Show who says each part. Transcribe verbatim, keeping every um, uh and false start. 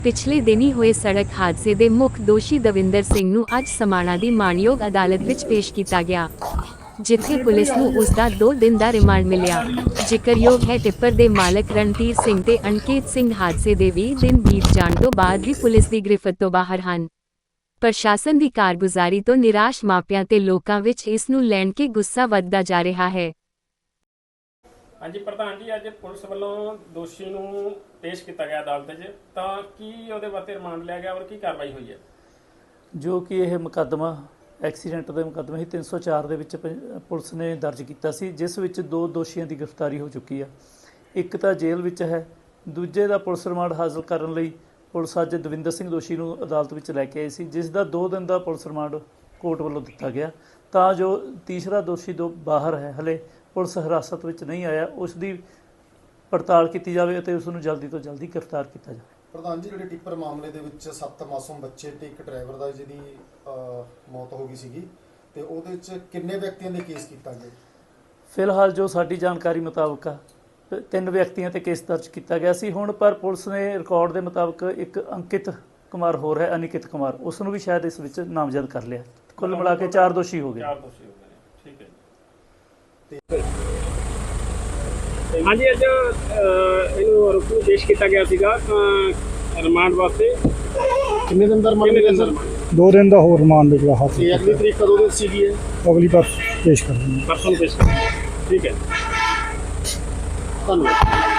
Speaker 1: ਪਿਛਲੇ ਦਿਨੀ ਹੋਏ ਸੜਕ ਹਾਦਸੇ ਦੇ ਮੁੱਖ ਦੋਸ਼ੀ ਦਵਿੰਦਰ ਸਿੰਘ ਨੂੰ ਅੱਜ ਸਮਾਣਾ ਦੀ ਮਾਣਯੋਗ ਅਦਾਲਤ ਵਿੱਚ ਪੇਸ਼ ਕੀਤਾ ਗਿਆ, ਜਿੱਥੇ ਪੁਲਿਸ ਨੂੰ ਉਸ ਦਾ ਦੋ ਦਿਨ ਦਾ ਰਿਮਾਂਡ ਮਿਲਿਆ। ਜ਼ਿਕਰਯੋਗ ਹੈ ਟਿੱਪਰ ਦੇ ਮਾਲਕ ਰਣਧੀਰ ਸਿੰਘ ਤੇ ਅਨਕੇਤ ਸਿੰਘ ਹਾਦਸੇ ਦੇ ਵੀਹ ਦਿਨ ਬੀਤ ਜਾਣ ਤੋਂ ਬਾਅਦ ਵੀ ਪੁਲਿਸ ਦੀ ਗ੍ਰਿਫਤ ਤੋਂ ਬਾਹਰ ਹਨ। ਪ੍ਰਸ਼ਾਸਨ ਦੀ ਕਾਰਗੁਜ਼ਾਰੀ ਤੋਂ ਨਿਰਾਸ਼ ਮਾਪਿਆਂ ਤੇ ਲੋਕਾਂ ਵਿੱਚ ਇਸ ਨੂੰ ਲੈਣ ਕੇ ਗੁੱਸਾ ਵੱਧਦਾ ਜਾ ਰਿਹਾ ਹੈ।
Speaker 2: ਹਾਂਜੀ ਪ੍ਰਧਾਨ ਜੀ, ਅੱਜ ਪੁਲਿਸ ਵੱਲੋਂ ਦੋਸ਼ੀ ਨੂੰ ਪੇਸ਼ ਕੀਤਾ ਗਿਆ ਅਦਾਲਤ 'ਚ, ਤਾਂ ਕੀ ਉਹਦੇ ਵਾਸਤੇ ਰਿਮਾਂਡ ਲਿਆ ਗਿਆ ਔਰ ਕੀ ਕਾਰਵਾਈ ਹੋਈ ਹੈ?
Speaker 3: ਜੋ ਕਿ ਇਹ ਮੁਕੱਦਮਾ ਐਕਸੀਡੈਂਟ ਦੇ ਮੁਕੱਦਮੇ ਹੀ ਤਿੰਨ ਸੌ ਚਾਰ ਦੇ ਵਿੱਚ ਪੁਲਿਸ ਨੇ ਦਰਜ ਕੀਤਾ ਸੀ, ਜਿਸ ਵਿੱਚ ਦੋ ਦੋਸ਼ੀਆਂ ਦੀ ਗ੍ਰਿਫਤਾਰੀ ਹੋ ਚੁੱਕੀ ਆ। ਇੱਕ ਤਾਂ ਜੇਲ੍ਹ ਵਿੱਚ ਹੈ, ਦੂਜੇ ਦਾ ਪੁਲਿਸ ਰਿਮਾਂਡ ਹਾਸਲ ਕਰਨ ਲਈ ਪੁਲਿਸ ਅੱਜ ਦਵਿੰਦਰ ਸਿੰਘ ਦੋਸ਼ੀ ਨੂੰ ਅਦਾਲਤ ਵਿੱਚ ਲੈ ਕੇ ਆਈ ਸੀ, ਜਿਸ ਦਾ ਦੋ ਦਿਨ ਦਾ ਪੁਲਿਸ ਰਿਮਾਂਡ ਕੋਰਟ ਵੱਲੋਂ ਦਿੱਤਾ ਗਿਆ, ਤਾਂ ਜੋ ਤੀਸਰਾ ਦੋਸ਼ੀ ਦੋ ਬਾਹਰ ਹੈ, ਹਲੇ ਪੁਲਿਸ ਹਿਰਾਸਤ ਵਿੱਚ ਨਹੀਂ ਆਇਆ, ਉਸ ਦੀ ਪੜਤਾਲ ਕੀਤੀ ਜਾਵੇ ਅਤੇ ਉਸ ਨੂੰ ਜਲਦੀ ਤੋਂ ਜਲਦੀ ਗ੍ਰਿਫਤਾਰ ਕੀਤਾ ਜਾਵੇ।
Speaker 4: ਪ੍ਰਧਾਨ ਜੀ, ਜਿਹੜੇ ਟਿੱਪਰ ਮਾਮਲੇ ਦੇ ਵਿੱਚ ਸੱਤ ਮਾਸੂਮ ਬੱਚੇ ਤੇ ਇੱਕ ਡਰਾਈਵਰ ਦਾ ਜਿਹਦੀ ਮੌਤ ਹੋ ਗਈ ਸੀਗੀ, ਤੇ ਉਹਦੇ 'ਚ ਕਿੰਨੇ ਵਿਅਕਤੀਆਂ ਦੇ ਕੇਸ ਕੀਤਾ ਗਿਆ?
Speaker 3: ਫਿਲਹਾਲ ਜੋ ਸਾਡੀ ਜਾਣਕਾਰੀ ਮੁਤਾਬਕ ਆ ਤਿੰਨ ਵਿਅਕਤੀਆਂ ਤੇ ਕੇਸ ਦਰਜ ਕੀਤਾ ਗਿਆ ਸੀ ਹੁਣ, ਪਰ ਪੁਲਿਸ ਨੇ ਰਿਕਾਰਡ ਦੇ ਮੁਤਾਬਕ ਇੱਕ ਅੰਕਿਤ ਕੁਮਾਰ ਹੋਰ ਹੈ, ਅਨਿਕਿਤ ਕੁਮਾਰ, ਉਸ ਨੂੰ ਵੀ ਸ਼ਾਇਦ ਇਸ ਵਿੱਚ ਨਾਮਜ਼ਦ ਕਰ ਲਿਆ। ਕੁੱਲ ਮਿਲਾ ਕੇ ਚਾਰ ਦੋਸ਼ੀ ਹੋ ਗਏ।
Speaker 2: ਚਾਰ ਦੋਸ਼ੀ ਹੋ ਗਏ, ਠੀਕ ਹੈ ਜੀ। ਹਾਂਜੀ, ਅੱਜ ਇਹਨੂੰ ਰੁਕੂ ਪੇਸ਼ ਕੀਤਾ ਗਿਆ ਸੀਗਾ ਰਿਮਾਂਡ ਵਾਸਤੇ।
Speaker 4: ਕਿੰਨੇ ਦਿਨ ਦਾ ਰਿਮਾਂਡ ਮਿਲਿਆ ਸਰ?
Speaker 5: ਦੋ ਦਿਨ ਦਾ ਹੋਰ ਰਿਮਾਂਡ ਮਿਲਿਆ ਹੱਥ।
Speaker 4: ਤੇ ਅਗਲੀ ਤਰੀਕ ਕਦੋਂ ਦੀ ਸੀਗੀ?
Speaker 5: ਅਗਲੀ ਵਾਰ ਪੇਸ਼ ਕਰਾਂਗੇ।
Speaker 2: ਪਰਸੋਂ ਪੇਸ਼ ਕਰਾਂਗੇ, ਠੀਕ ਹੈ।
Speaker 4: ਧੰਨਵਾਦ।